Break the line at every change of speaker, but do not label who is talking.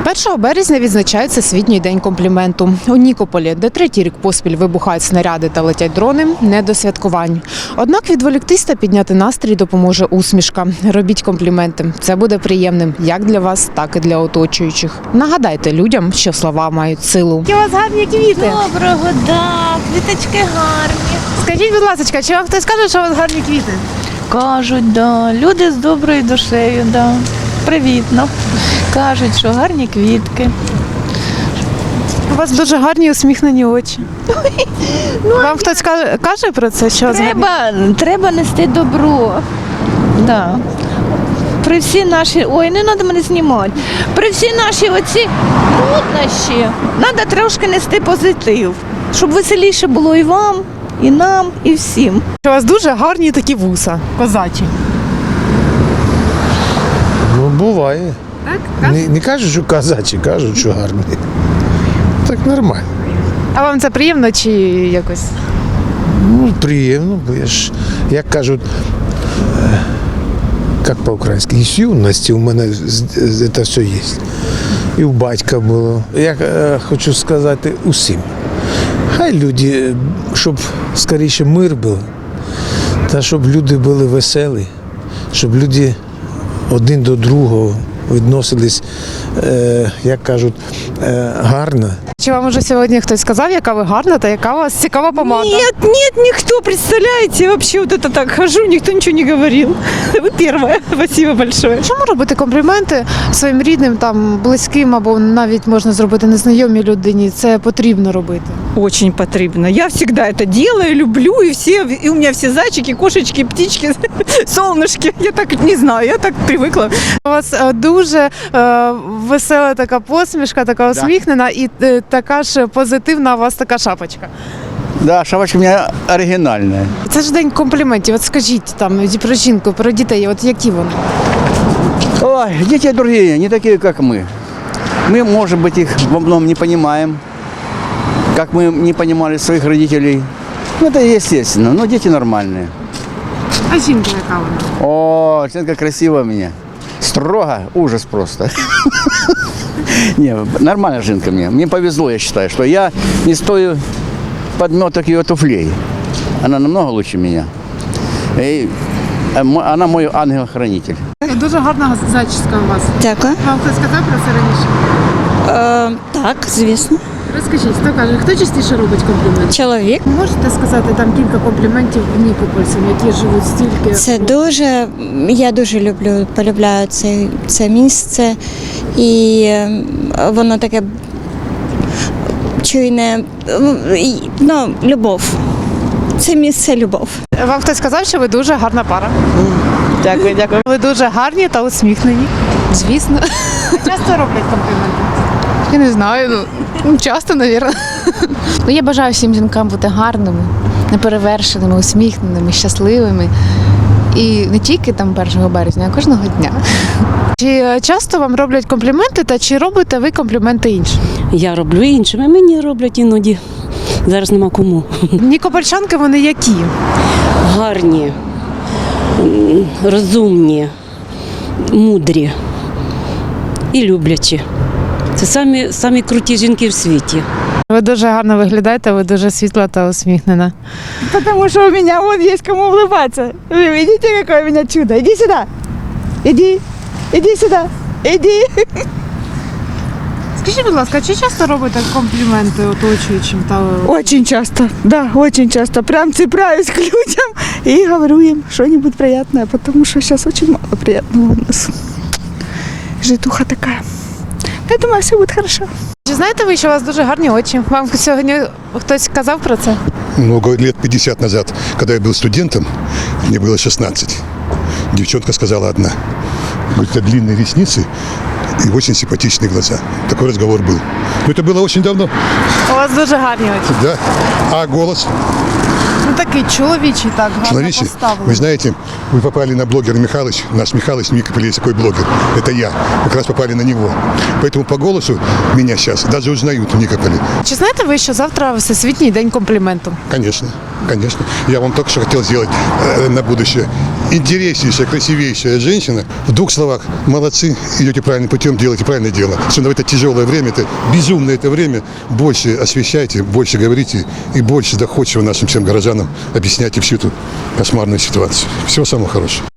1 березня відзначають Всесвітній день компліменту. У Нікополі, де третій рік поспіль вибухають снаряди та летять дрони, не до святкувань. Однак відволіктись та підняти настрій допоможе усмішка. Робіть компліменти. Це буде приємним як для вас, так і для оточуючих. Нагадайте людям, що слова мають силу. Які у вас гарні квіти.
Доброго, да, квіточки гарні.
Скажіть, будь ласка, чи вам хтось каже, що у вас гарні квіти?
Кажуть, да, люди з доброю душею, да. Привітно. Кажуть, що гарні квітки.
У вас дуже гарні усміхнені очі. Вам хтось каже про це, що у вас гарні?
Треба нести добро. Да. При всі наші, ой, не треба мене знімати. При всі наші оці труднощі треба трошки нести позитив, щоб веселіше було і вам, і нам, і всім.
У вас дуже гарні такі вуса, козачі.
Ну, буває.
Так?
Не кажуть, що казачі, кажуть, що гарні. Так нормально.
А вам це приємно чи якось?
Ну, приємно, бо я ж, як кажуть, як по-українськи, з юності у мене це все є. І у батька було. Я хочу сказати усім. Хай люди, щоб скоріше мир був, та щоб люди були веселі, щоб люди один до другого відносились, як кажуть, гарно.
Чи вам уже сьогодні хтось сказав, яка ви гарна та яка у вас цікава помада?
Нет, никто, представляете, вообще вот это так хожу, никто ничего не говорил. Вы первая, спасибо большое.
Чому робити компліменти своїм рідним, там, близьким або навіть можна зробити незнайомій людині? Це потрібно робити.
Очень потребно. Я всегда это делаю, люблю, и у меня все зайчики, кошечки, птички, солнышки. Я так не знаю, я так привыкла.
У вас дуже весела така посмішка, така усміхнена і така ж позитивна у вас така шапочка.
Да, шапочка у меня оригинальная.
Це ж день компліментів. От скажіть там про жінку, про дітей, от які вони?
Ой, дети другие, не такие, как мы. Мы, может быть, их во многом не понимаем, как мы не понимали своих родителей. Ну, это естественно, но дети нормальные.
А жінка яка вона?
О, Сенка красивая у меня. Строго, ужас просто. Не, нормальная жинка мне. Мне повезло, я считаю, что я не стою подметок ее туфлей. Она намного лучше меня. И она мой ангел-хранитель.
Дуже гарна зачіска у вас.
Дякую.
Вам хтось сказав про це раніше?
Так, звісно.
Розкажіть, хто каже, хто частіше робить компліменти?
Чоловік.
Можете сказати там кілька компліментів нікопольцям, які живуть стільки?
Це дуже, я дуже люблю, полюбляю це місце. І воно таке чуйне, ну, любов. Це місце любов.
Вам хтось сказав, що ви дуже гарна пара?
Дякую, дякую.
Ви дуже гарні та усміхнені.
Звісно.
Часто роблять компліменти?
Я не знаю, часто, мабуть. Я бажаю всім жінкам бути гарними, неперевершеними, усміхненими, щасливими. І не тільки там 1 березня, а кожного дня.
Чи часто вам роблять компліменти та чи робите ви компліменти іншим?
Я роблю іншим, а мені роблять іноді. Зараз нема кому.
Нікопольчанки вони які?
Гарні, розумні, мудрі і люблячі. Це самі круті жінки в світі.
Ви дуже гарно виглядаєте, ви дуже світла та усміхнена.
Потому что у меня вон есть кому улыбаться. Вы видите, какое у меня чудо? Иди сюда. Иди сюда. Иди.
Скажіть, будь ласка, чи часто робите компліменти оточуючим та
Очень часто, да, очень часто. Прям цепляюсь к людям и говорю им что-нибудь приятное, потому что сейчас очень мало приятного у нас. Житуха такая. Я думаю, все будет хорошо.
Чи знаєте ви, що у вас дуже гарні очі? Вам сьогодні хтось казав про це?
Много лет 50 назад, когда я был студентом, мне было 16, девчонка сказала одна, говорит, у тебя длинные ресницы и очень симпатичные глаза. Такой разговор был. Но это было очень давно.
У вас дуже гарні очі.
Да. А голос?
Ну такий чоловічий, так, гарно
Смотрите,
поставлений.
вы знаете, вы попали на блогера Михалыч. Наш Михалыч в Никополе есть такой блогер. Это я. Как раз попали на него. Поэтому по голосу меня сейчас даже узнают в Никополе.
Чи знаєте ви, що завтра Всесвітній день компліменту?
Конечно, конечно. Я вам только что хотел сделать на будущее интереснейшая, красивейшая женщина. В 2 словах, молодцы, идете правильным путем, делаете правильное дело. Особенно в это тяжелое время, это безумное это время, больше освещайте, больше говорите и больше доходчиво нашим всем горожанам объясняйте всю эту кошмарную ситуацию. Всего самого хорошего.